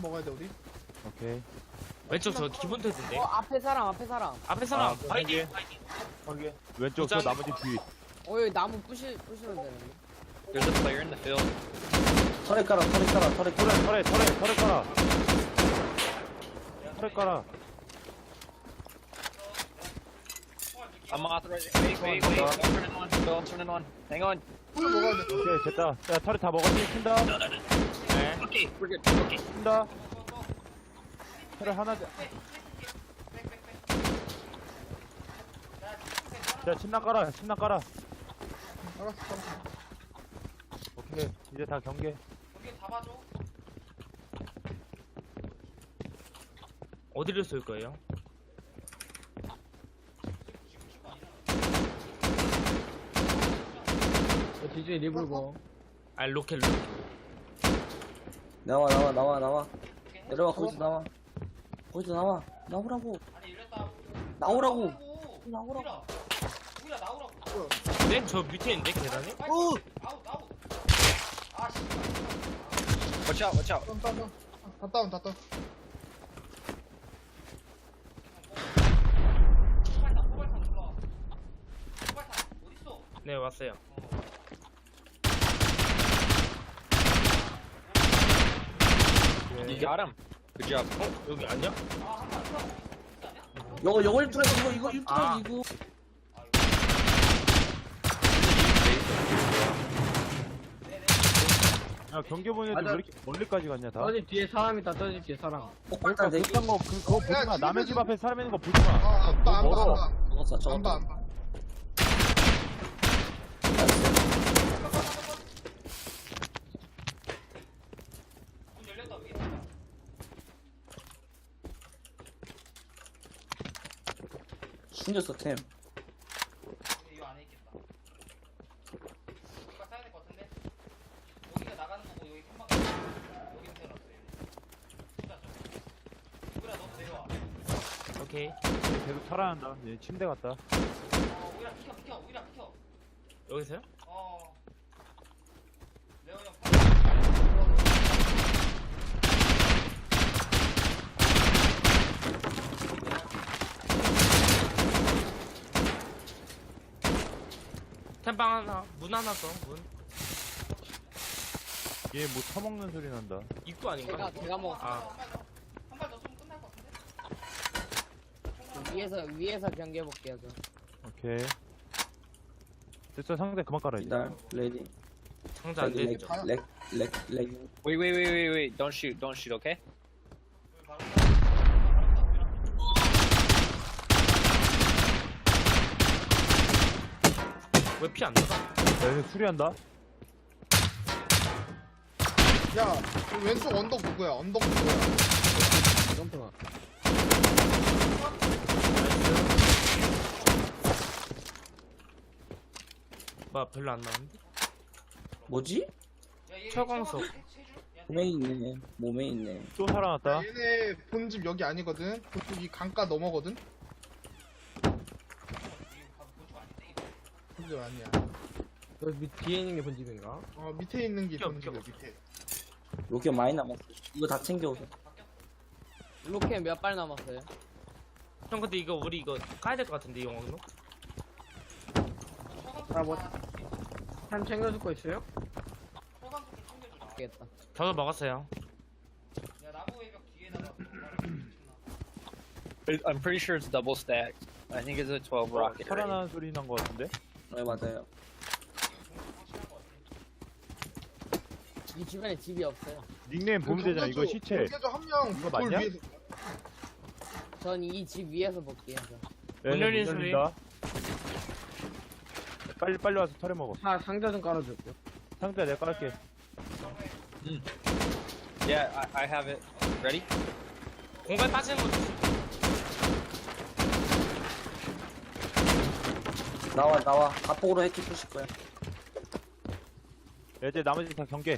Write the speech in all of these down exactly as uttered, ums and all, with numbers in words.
먹어야 돼 우리. 오케이. 왼쪽 저 기본 테드인데. 어 앞에 사람 앞에 사람. 앞에 사람. 아, 파이팅. 확인. 왼쪽 저 도장. 나머지 뒤. 어 여기 나무 부시 부시면 되는데. There's a player in the field. 털에 깔아, 털에 깔아, 털에 깔아. 털에 털에 털에 깔아. 털에 깔아. I'm authorizing. Wait, wait, wait. I'm turning on. Phil, I'm turning on. Hang on. 술 먹어야 돼. 오케이 됐다. 야 털에 다 먹었지? 킨다. 네. Okay, we're good. Okay. 킨다. 털에 하나. 돼. 자 침낭 깔아. 침낭 깔아. 알았어. 알았어. 오케이 이제 다 경계. 어디를 쏠 거예요? 뒤쪽에 리블고. 아 로켓 로켓. 나와, 나와, 나와, 나와. 내려와, 거기서 나와. 거기서 나와. 나오라고. 나오라고. 나오라고. 네? 저 밑에 있는데 계단에? Watch out, watch out. 다운 다운 다운. 다 다운 다 다운. 네 왔어요. You got him. Good job. 어? 여기 아니야? 이거, 이거 일투라, 이거, 이거 일투라, 아. 이거. 야 경계 보내도 왜 맞아. 이렇게 멀리까지 갔냐 다? 떠집 뒤에 사람 있다. 떠집 뒤에 사람. 그러니까 폭발탄 네 개. 그딴 거 그, 그거 보지 야, 마. 남의 집에서- 집 앞에 사람 있는 거 보지 마. 아, 안 봐, 안 봐, 멀어. 안 봐. 저거다, 안 봐, 저거다. 안 봐. 숨겼어, 템. 오케이. 계속 살아난다. 얘 침대 갔다. 여기서요? 템방 하나, 문 하나 더, 문. 얘 뭐 처먹는 소리 난다. 입구 아닌가? 제가 제가 먹었어. 아, 위에서 위에서 경계 볼게요 저. 오케이. 됐어 상대 그만 깔아 이제. 기다려, 레디. 상자 안 렉, 되죠. 렉, 렉, 렉. Wait, wait, wait, wait, wait. Don't shoot, don't shoot, okay? 왜 피 안 나가? 야 얘네 수리한다. 야, 그 왼쪽 언덕 누구야? 언덕 누구야? 점프가. 뭐 별로 안 나왔는데? 뭐지? 철광석. 몸에 있네. 몸에 있네. 또 살아났다. 얘네 본집 여기 아니거든. 그쪽 이 강가 넘어거든. 본집 아니야. 여기 밑 뒤에 있는 게 본집인가? 어 밑에 있는 게 비켜, 본집이야 비켜. 밑에. 로켓 많이 남았어. 이거 다 챙겨오세요. 로켓 몇 발 남았어요? 형 근데 이거 우리 이거 까야 될 것 같은데 영광로? 아 뭐? 한 챙겨줄 거 있어요? 알겠다. 저도 먹었어요. I'm pretty sure it's double stacked. I think it's a twelve rocket. right? 살아나는 소리 난 거 같은데. 네, 맞아요. 이 주변에 집이 없어요. 닉네임 보면 되잖아. 이거 시체. 경제조 한명 이거 돌 맞냐? 위에서. 전 이 집 위에서 볼게요. 저. 문 얘네 열리는 문 소리. 열린다. 빨리 빨리 와서 털에 먹어. 사 상자 좀 깔아줄게요. 상대 내가 깔게. Yeah, I, I have it. Ready? 공간 빠지는 거 조심. 나와, 나와. 가폭으로 해치 푸실 거야. 야, 이제 나머지 다 경계. 야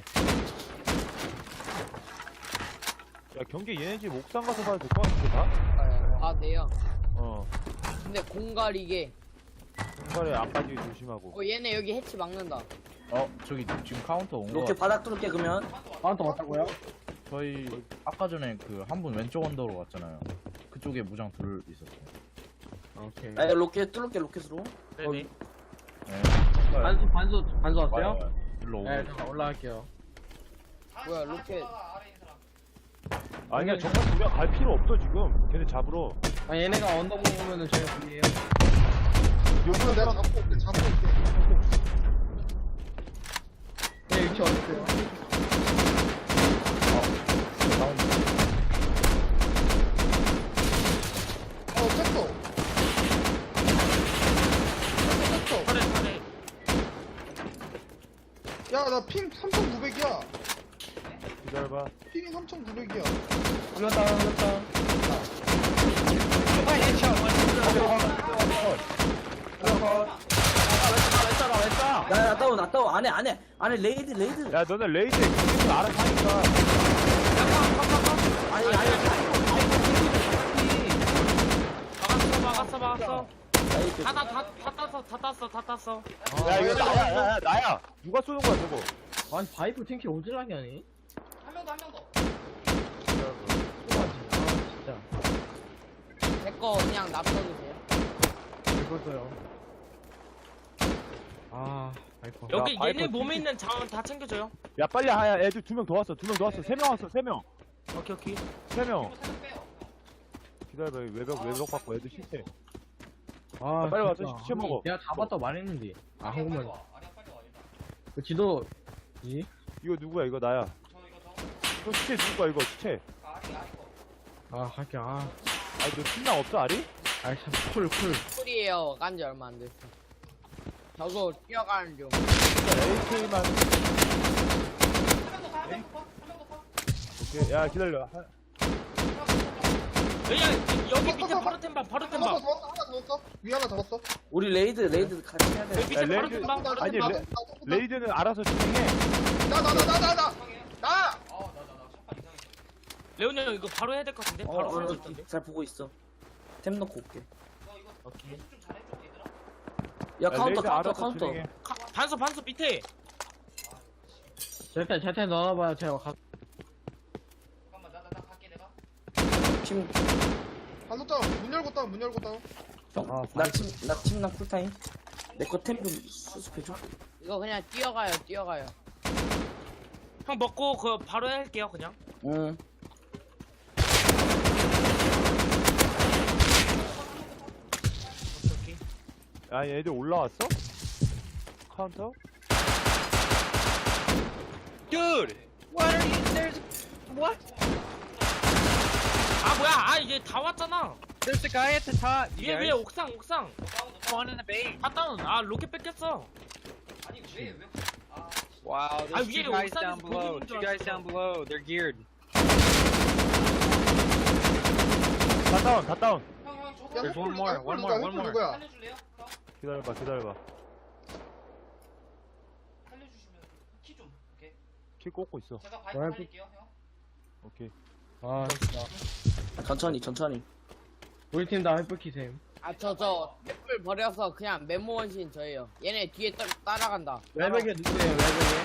경계 얘네 집 옥상 가서 봐도 될 것 같은데 다? 아 돼요. 어. 근데 공갈이게. 공간에 안 빠지게 조심하고. 어 얘네 여기 해치 막는다. 어, 저기 지금 카운터 온 거. 로켓 바닥 뚫을게, 그러면. 바운터 왔다고요? 저희 아까 전에 그 한 분 왼쪽 언더로 갔잖아요. 그쪽에 무장 둘 있었어요. 오케이. 야, 로켓 뚫을게, 로켓으로. 네네. 네. 반수 반수 반수 와요, 왔어요? 와요. 일로 오고. 네, 잠깐 올라갈게요. 뭐야 로켓. 아니야 정말 우리가 갈 필요 없어 지금. 걔네 잡으러. 아 얘네가 언더 먹으면은 저희가 불리해요. 이거 내가 잡고 올게 잡고 올게. 얘 위치 어딨어요? 어 쳤어. 쳤어. 팔에 팔에. 야나 핑 삼천구백이야. 기다려봐. 핑이 삼천구백이야. 올렸다 올렸다. One headshot, one 야, 야, 다운, 나 다운. 안에, 안에, 안에 레이드, 레이드. 야 너네 레이드에 경계선 알아서 하니까. 아니, 아니, 막았어 막았어 막았어. 레이드. 다다다다 땄어 다 땄어 다 땄어. 야 이거 나야 야, 야, 나야. 누가 쏘는 거야 저거? 아니 바이프 탱키 오질라게 하니? 진짜. 제거 그냥 납둬주세요. 읽었어요. 아 바이퍼. 여기 야, 바이퍼 얘네 몸에 튀기- 있는 자원 다 챙겨줘요. 야 빨리 하야. 애들 두 명 더 왔어. 두 명 더 왔어. 세 명 왔어. 세 명. 오케이 오케이. 세 명. 기다려봐. 외벽 외벽 받고 애들 실패. 아 빨리 와서 진짜. 시체 먹어. 내가 잡았다 말했는데. 아 한국말. 그 지도. 이? 이거 누구야? 이거 나야. 이거 시체 누구야? 이거 시체. 아 할게 아. 아니 너 신랑 없어 아리? 아이 참 쿨 쿨. 쿨이에요. 깐지 얼마 안 됐어. 저거 뛰어가는 중. 에이케이만. 오케이. 야 기다려. 하- 여기 여기 밑에 바로 템방 바로 잡았어 템방. 잡았어 하나 잡았어. 위 하나 잡았어. 우리 레이드, 레이드 같이 해야 돼. 여기 밑에 야, 바로 레이드- 템방 바로 아니, 템방. 레- 레이드는 알아서 진행해. 나나 나 나 나 나. 나. 레온이 형 이거 바로 해야 될 것 같은데? 어, 바로 어, 쏠수 어, 있던데? 잘 보고 있어. 템 넣고 올게. 오케이. 야, 카운터, 레이드 카운터, 알아서 카운터. 진행해. 카, 반수 반수 밑에. 제템 제템 넣어봐요. 제가 가. 팀, 반속장 문 열고 다운 문 열고 다운. 형, 아, 나 팀, 나 팀, 나 쿨타임. 내 거 템 좀 수습해줘. 이거 그냥 뛰어가요. 뛰어가요. 형 먹고 그 바로 할게요 그냥. 응. 오케이 오케이. 야 얘들 올라왔어? 카운터? Dude! What are you? There's. What? 아 뭐야? 아 이제 다 왔잖아. There's a guy at the top. You 위에 위에 guys. 옥상 옥상. One in the base. 다 다운. 아 로켓 뺏겼어. Wow, 아, there's 위에 two guys 옥상에서 down 보고 below. 있는 줄 Two guys 알았어. down below. They're geared. 다 다운 다 다운. 야, There's one 햇불 more, 누구야? one 햇불 more, 누구야? one more. 누구야? 기다려봐 기다려봐. 키 꽂고 있어. 오케이. 아 진짜. 천천히, 천천히. 우리 팀 다 헬프키셈. 아 저 저 햇불 버려서 그냥 메모 원신 저예요. 얘네 뒤에 따, 따라간다. 외벽에 누구예요? 외벽에?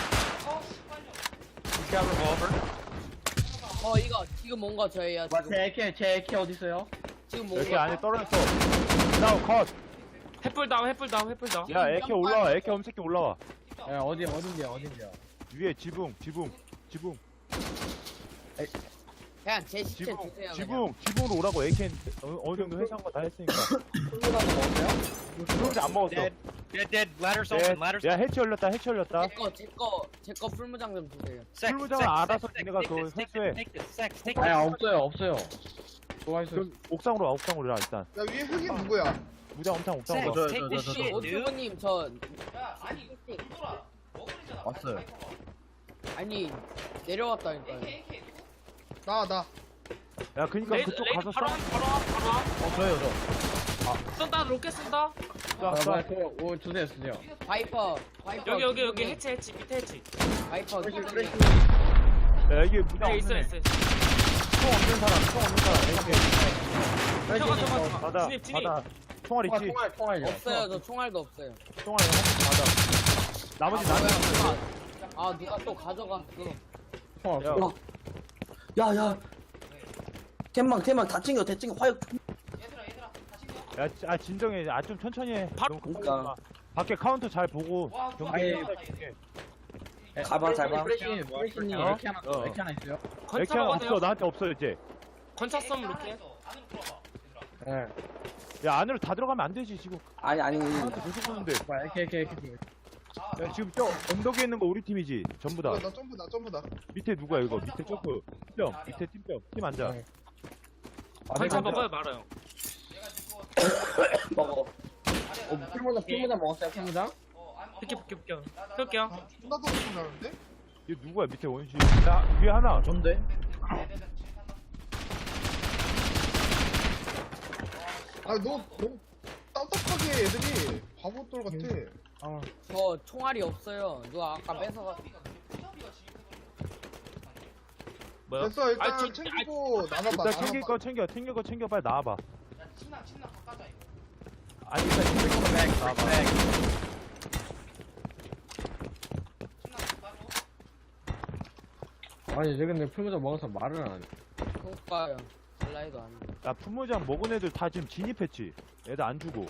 He's got revolver. 어 이거 지금 온 거 저예요. 와, 지금 제 에케 제 에케 어디 있어요? 지금 온 에케 거. 안에 떨어졌어. 다운 컷. 햇불 다운 햇불 다운 햇불 다운. 야 에케 올라와. 에케 엄새끼 올라와. 야 어디 어딘데요? 어딘데요? 위에 지붕 지붕 지붕 그냥 제 시체 지붕 주세요. 그냥. 지붕 지붕으로 오라고. 에케 어느, 어느 정도 회수한 거 다 했으니까. 지붕 안 먹었어. Dead. Dead, dead. Ladders 네. open. Ladders 야 해치 열렸다 해치 열렸다. 제거 제거 제거 풀무장 좀 주세요. Sec, 풀무장은 sec, 알아서 sec, 니네가 take 그거 this, take 회수해. this, take this, sec, take 아니 this. 없어요 없어요. 뭐가 있어요? 그럼 옥상으로 와 옥상으로 와 일단. 야 위에 흑인 누구야? 무장 엄청 Sec, 옥상으로 와. take this 저, 저, 저, shit, dude. 오토님 저 왔어요. 아니 내려왔다니까요. 나 나. 야 그니까 레이드 그쪽 레이드 가서 바로 와 바로 와 바로 와. 어 저요 저. 쏜다 로켓 쏜다. 쏴 아, 쏴. 뭐야 저, 오 주세요 주세요. 바이퍼 바이퍼 여기 여기 여기 기둥이- 해치 해치 밑에 해치. 바이퍼 기둥이- 야 이게 무장 네 있어 없는 애. 있어. 총 없는 사람 총 없는 사람. 에케. 잠깐 잠깐 잠깐. 받아 진입 진입. 받아. 총알 총알 있지? 총알 총알요. 없어요. 저 총알도 없어요. 총알 한개 받아. 나머지 아, 나는 뭐야, 누가- 아 누가 또 가져갔어. 총알 야, 없어. 야, 야. 캔망, 캔망 다 챙겨, 다 챙겨. 화약. 야, 지- 아 진정해. 아 좀 천천히 해. 바로- 너무 급하지 그러니까. 마. 밖에 카운터 잘 보고. 경기 아예- 줄게. 가봐, 잘 봐. 프레시, 프레시님, 어? 이렇게 하나, 어. 이렇게 하나 있어요? 이렇게 건차로 없어. 가세요. 나한테 없어 이제. 건차 썸 이렇게. 예. 야 안으로 다 들어가면 안 되지 지금. 아니, 아니. 카운터 계속 보는데. 봐, 이렇게, 이렇게, 이렇게. 야 지금 저 언덕에 있는 거 우리 팀이지. 전부 다. 나, 나 점프다 점프다. 밑에 누구야 이거? 밑에 점프. 팀병. 밑에 팀병. 팀 앉아. 네. 건차 내가 먹어요 말아요. 먹어. 어, 풀모자, 풀모자 먹었어요, 풀모자? 비켜 비켜 비켜. 쏠게요. 아, 존나 소리 나는데? 얘 누구야 밑에 원시. 야 위에 하나. 전데? 아, 너 너무 딴딴하게 애들이 바보돌 같아. 아, 저 총알이 없어요. 누가 아까 뺏어가. 뭐야? 됐어 일단 아, 저- 챙기고 나눠봐. 일단 챙길 나눠봐. 거 챙겨. 챙길 거 챙겨. 빨리 나와봐. 아니 일단 챙길 거 빨리 나와봐. 아니, 쟤 근데 풀모자 먹어서 말을 안 하네. 그니까요. 슬라이드 안 돼. 야 품무장 먹은 애들 다 지금 진입했지. 애들 안 주고.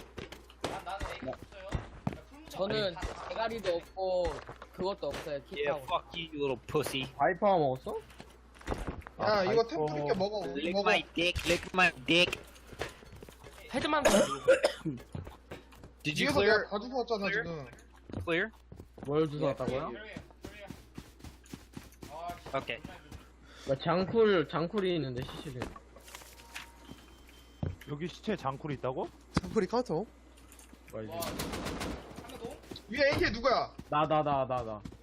저는 대가리도 없고 그것도 없어요. Yeah, kit하고. fuck you, you little pussy. 바이퍼 먹었어? 야 아, 이거 아이고. 템 줄게 먹어. 우리 Lick 먹어. my dick, lick my dick. 헤드만 좀 Did you 뒤에서 clear? 내가 가지고 왔잖아 clear? 지금. Clear? 뭘 주워 왔다고요? Okay. 나 장쿨, 장쿨이 있는데, 시시는. 여기 시체 장쿨이 있다고? 장거리 카터. 뭐야, 이제. 위에 에이케이 누구야? 나, 나, 나, 나, 나.